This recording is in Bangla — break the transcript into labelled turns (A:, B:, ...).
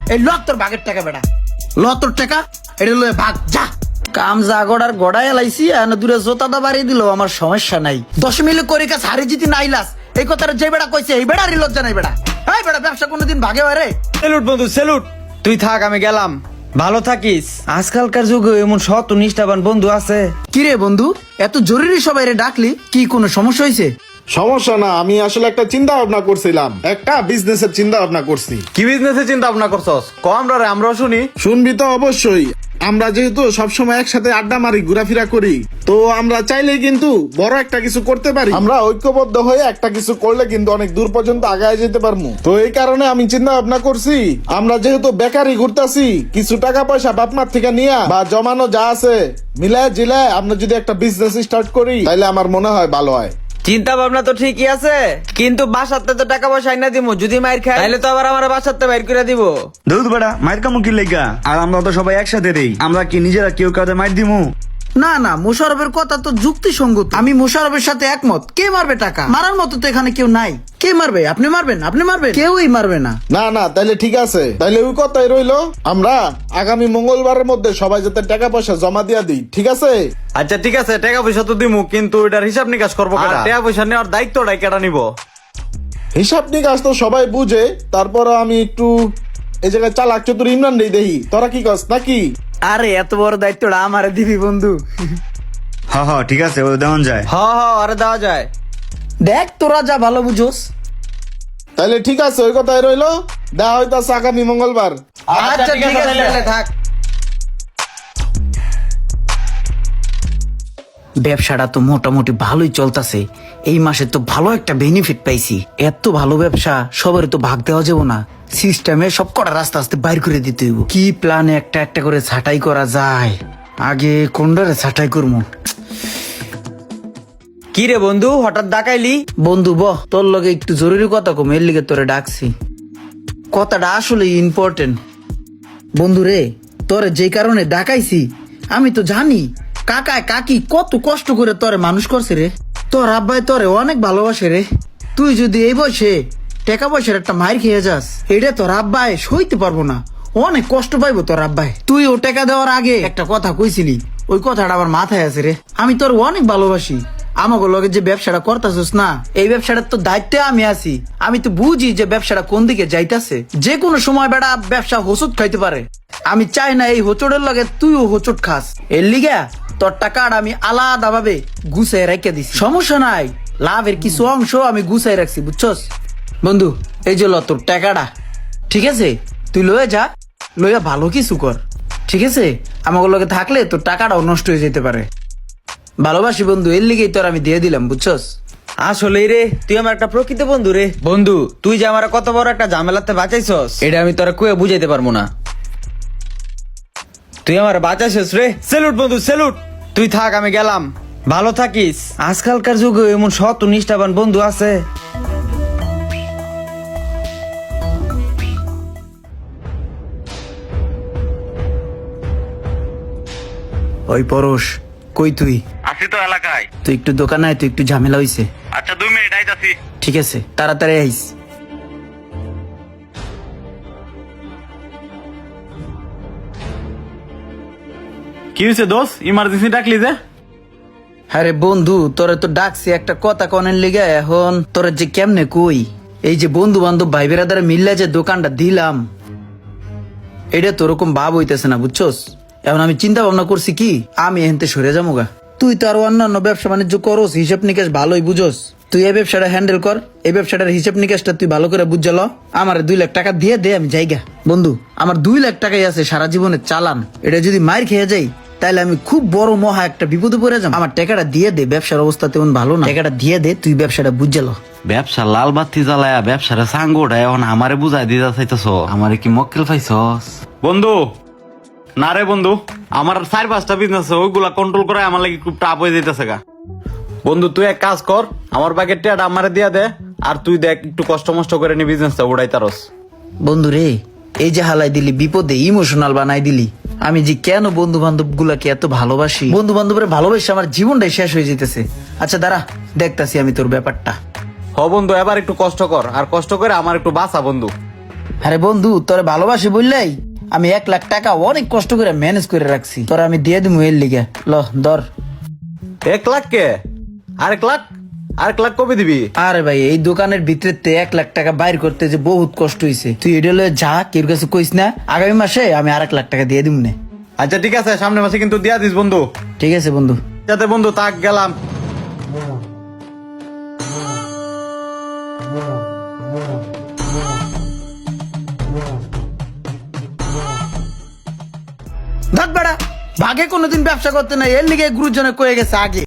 A: এই ল তোর ভাগের টাকা বেটা, ল তোর টাকা, এটা লয়ে ভাগ যা। কাম যা গড়ার গড়াই এলাইছি, আর দূরে জোতাটা বাড়িয়ে দিল, আমার সমস্যা নাই। 10 মিলে করে কাজ হারি জিতি নাইলাস, এই কথাটা যে বেড়া কইছে এই বেড়ারই লজ্জা নাই বেড়া। এই বেড়া ব্যবসা কোনোদিন ভাগে হয় রে?
B: সেলুট বন্ধু সেলুট, তুই থাক আমি গেলাম, ভালো থাকিস। আজকালকার যুগে এমন সৎ ও নিষ্ঠাবান বন্ধু আছে।
A: কি রে বন্ধু, এত জরুরি সবাই রে ডাকলি, কি কোনো সমস্যা হয়েছে?
C: সমস্যা না, আমি আসলে একটা চিন্তা ভাবনা করছিলাম, একটা বিজনেসের চিন্তা ভাবনা করছি।
B: কি বিজনেসের চিন্তা ভাবনা করছস? কম রে আমরাও শুনি।
C: শুনবি তো অবশ্যই। আমরা যেহেতু সবসময় একসাথে আড্ডা মারি, ঘোরাফেরা করি, তো আমরা চাইলে কিন্তু বড় একটা কিছু করতে পারি। আমরা ঐক্যবদ্ধ হয়ে একটা কিছু করলে কিন্তু অনেক দূর পর্যন্ত আগায় যেতে পারবো। তো এই কারণে আমি চিন্তা ভাবনা করছি, আমরা যেহেতু বেকারি ঘুরতাছি, কিছু টাকা পয়সা বাপ মার থেকে নিয়া বা জমানো যা আছে মিলায় জিলায় আমরা যদি একটা বিজনেস স্টার্ট করি, তাহলে আমার মনে হয় ভালো হয়।
B: চিন্তা ভাবনা তো ঠিকই আছে, কিন্তু বাসাতে তো টাকা পয়সা আইনা দিমু, যদি মাইর খাই তাহলে তো আবার আমার বাসাতে বাইর করে দিব।
D: দুধ বেড়া মায়ের কামু কি লেগা? আর আমরা তো সবাই একসাথে দেই, আমরা কি নিজেরা কেউ কাউকে মার দিমু?
A: না না, মোশারফের কথা তো যুক্তিসঙ্গত, আমি মোশারফের সাথে একমত। কে মারবে টাকা? মারার মতো তো এখানে কেউ নাই। কে মারবে? আপনি মারবেন? আপনি মারবেন? কেউই মারবে না।
C: না না, তাইলে ঠিক আছে, তাইলে ওই কথাই রইলো, আমরা আগামী মঙ্গলবারের মধ্যে সবাই যাতে টাকা পয়সা জমা দিয়া দিই, ঠিক আছে?
B: আচ্ছা ঠিক আছে, টাকা পয়সা তো দিমু, কিন্তু এটার হিসাব নিকাশ করবো কেডা? টাকা পয়সা নেওয়ার দায়িত্বটাই কেডা নিব?
C: হিসাব নিকাশ তো সবাই বুঝে, তারপর আমি একটু এই জায়গায় চালাক চতুর ইমরান রে দেহি, তোরা কি কস নাকি?
A: আরে এত বড় দায়িত্বটা আমারে দিবি বন্ধু?
D: হ ঠিক আছে, ও দেওয়ান যায়।
B: হ হ, আরে দেওয়া যায়।
A: দেখ তোরা যা ভালো বুঝোস।
C: তাইলে ঠিক আছে, ওই কথাই রইলো, দেখা হইতাছে আগামী মঙ্গলবার।
B: আচ্ছা ঠিক আছে, তাহলে থাক।
A: ব্যবসাটা তো মোটামুটি ভালোই চলতেছে, এই মাসে তো ভালো একটা বেনিফিট পাইছি। এত ভালো ব্যবসা সবার তো ভাগ দেওয়া যাবো না, সিস্টেমে সব কটা রাস্তা আস্তে বাইর করে দিতে হইব। কি প্ল্যানে একটা একটা করে ছাঁটাই করা যায়, আগে কোনটারে ছাঁটাই করবো?
B: কি রে বন্ধু, হঠাৎ ডাকাইলি?
A: বন্ধু বহ, তোর লগে একটু জরুরি কথা কম, এর লিগে তোরে ডাকছি। কথাটা আসলে ইম্পর্টেন্ট। বন্ধু রে, তোরে যে কারণে ডাকাইছি, আমি তো জানি কাকায় কাকি কত কষ্ট করে তোরে মানুষ করছে রে। তোর আব্বাই তোরে অনেক ভালোবাসে রে। তুই যদি এই বয়সে টাকা পয়সার একটা মাইর খেয়ে যাস, এটা তোর আব্বাই সইতে পারবো না, অনেক কষ্ট পাইবো তোর আব্বাই। তুই ও টাকা দেওয়ার আগে একটা কথা কইছিলি, ওই কথাটা আমার মাথায় আছে রে। আমি তোর অনেক ভালোবাসি, আমাকে লগে যে ব্যবসাটা করতেছিস না, এই ব্যবসাটার তো দায়িত্বে আমি আছি। আমি তো বুঝি যে ব্যবসাটা কোন দিকে যাইতাছে, যে কোনো সময় বেটা ব্যবসা হোঁচট খাইতে পারে। আমি চাই না এই হোঁচটের লগে তুইও হোঁচট খাস। এর লিগা তোর টাকাটা আমি আলাদা ভাবে গুছাই রেখে দিছি, সমস্যা নাই। লাভের কিছু অংশ আমি গুছাই রাখছি, বুঝছস বন্ধু? এই যে ল তোর টাকাটা, ঠিক আছে? তুই লয়ে যা, লইয়া ভালো কিছু কর, ঠিক আছে? আমাকে লগে থাকলে তোর টাকাটাও নষ্ট হয়ে যেতে পারে। ভালোবাসি বন্ধু, এর লিগেই তোর আমি দিয়ে দিলাম, বুঝছস?
B: আসলে রে, তুই আমার একটা প্রকৃত বন্ধু রে। বন্ধু, তুই যে আমার কত বড় একটা ঝামেলাতে বাঁচাইছস, এটা আমি তোরা কয়ে বুঝাইতে পারবো না। তুই আমার বাঁচাইছস রে, সেলুট বন্ধু সেলুট। তুই থাক আমি গেলাম, ভালো থাকিস। আজকালকার যুগে এমন সৎ ও নিষ্ঠাবান বন্ধু আছে।
A: ওই পরশ, কই তুই?
D: আসি তো এলাকায়।
A: তুই একটু দোকানে আয়, তুই একটু ঝামেলা হইছে।
D: আচ্ছা 2 মিনিট আইতাছি।
A: ঠিক আছে, তাড়াতাড়ি আইস।
D: কি হয়েছে দোস্ত, ইমার্জেন্সি ডাকলি যে?
A: আরে বন্ধু, তোরে তো ডাকছি একটা কথা কনের লিগে, এখন তোরে যে কেমনে কই। এই যে বন্ধু বান্ধব ভাই বেড়াদারে মিললে যে দোকানটা দিলাম, এটা তো ওরকম ভাব হইতেছে না, বুঝছস? এখন আমি চিন্তা ভাবনা করছি কি, আমি এখান থেকে সরে যাবো গা। তুই তো আরো অন্যান্য ব্যবসা বাণিজ্য করস, হিসাব নিকাশ ভালোই বুঝোস। তুই এই ব্যবসাটা হ্যান্ডেল কর, এই ব্যবসাটার হিসাব নিকাশটা তুই ভালো করে বুঝাল। আমার 2 লাখ টাকা দিয়ে দে, আমি যাইগা। বন্ধু, আমার 2 লাখ টাকাই আছে সারা জীবনের চালান, এটা যদি মার খেয়ে যাই তাহলে আমি খুব বড় মহা একটা বিপদে পড়ে যাবো। আমার টাকাটা দিয়ে দে, ব্যবসার অবস্থা তেমন ভালো না, টাকাটা দিয়ে দে, তুই ব্যবসাটা বুঝাল।
E: ব্যবসা লাল বাতি জ্বালায়া ব্যবসারে সাঙ্গোটা এখন আমারে বুঝাই দিতে চাইতেছ, আমারে কি মক্কেল পাইছস?
D: বন্ধু না রে বন্ধু, আমার 4-5টা বিজনেস আছে, ওইগুলা কন্ট্রোল করে আমার লাগি খুব টাপ হয়ে যাইতেছে গা। বন্ধু তুই এক কাজ কর, আমার বাকের টিয়াটা আমারে দিয়া দে, আর তুই দেখ একটু কষ্ট মষ্ট করে নি বিজনেসটা উড়াই তারস।
A: বন্ধু রে, এই যে হালাই দিলি বিপদে ইমোশনাল বানাই দিলি। আমি যে কেন বন্ধু বান্ধব গুলাকে এত ভালোবাসি, বন্ধু বান্ধবের ভালোবাসে আমার জীবনটাই শেষ হয়ে যেতেছে। আচ্ছা দাঁড়া, দেখতাছি আমি তোর ব্যাপারটা।
D: হ বন্ধু, এবার একটু কষ্ট কর, আর কষ্ট করে আমার একটু বাঁচা বন্ধু।
A: আরে বন্ধু তোরে ভালোবাসি বললেই আমি 1 লাখ টাকা অনেক কষ্ট করে ম্যানেজ করে রাখছি তোরা আমি দিয়ে দিবো এর লিগে ল ধর।
D: 1 লাখ কে? আরেক লাখ কবে দিবি?
A: আরে ভাই এই দোকানের ভিতরে 1 লাখ টাকা বাইর করতে যে বহুত কষ্ট হয়েছে তুই এটা লয়ে যা কেউ কাছে কইস না আগামী মাসে আমি 1 লাখ টাকা দিয়ে দিব না।
D: আচ্ছা ঠিক আছে, সামনের মাসে কিন্তু দিয়া দিস বন্ধু।
A: ঠিক আছে বন্ধু।
D: যাতে বন্ধু তাক গেলাম।
A: দেখ বেড়া ভাগে কোনোদিন ব্যবসা করতে নাই এর লিগে গুরুজনে কয়ে গেছে আগে।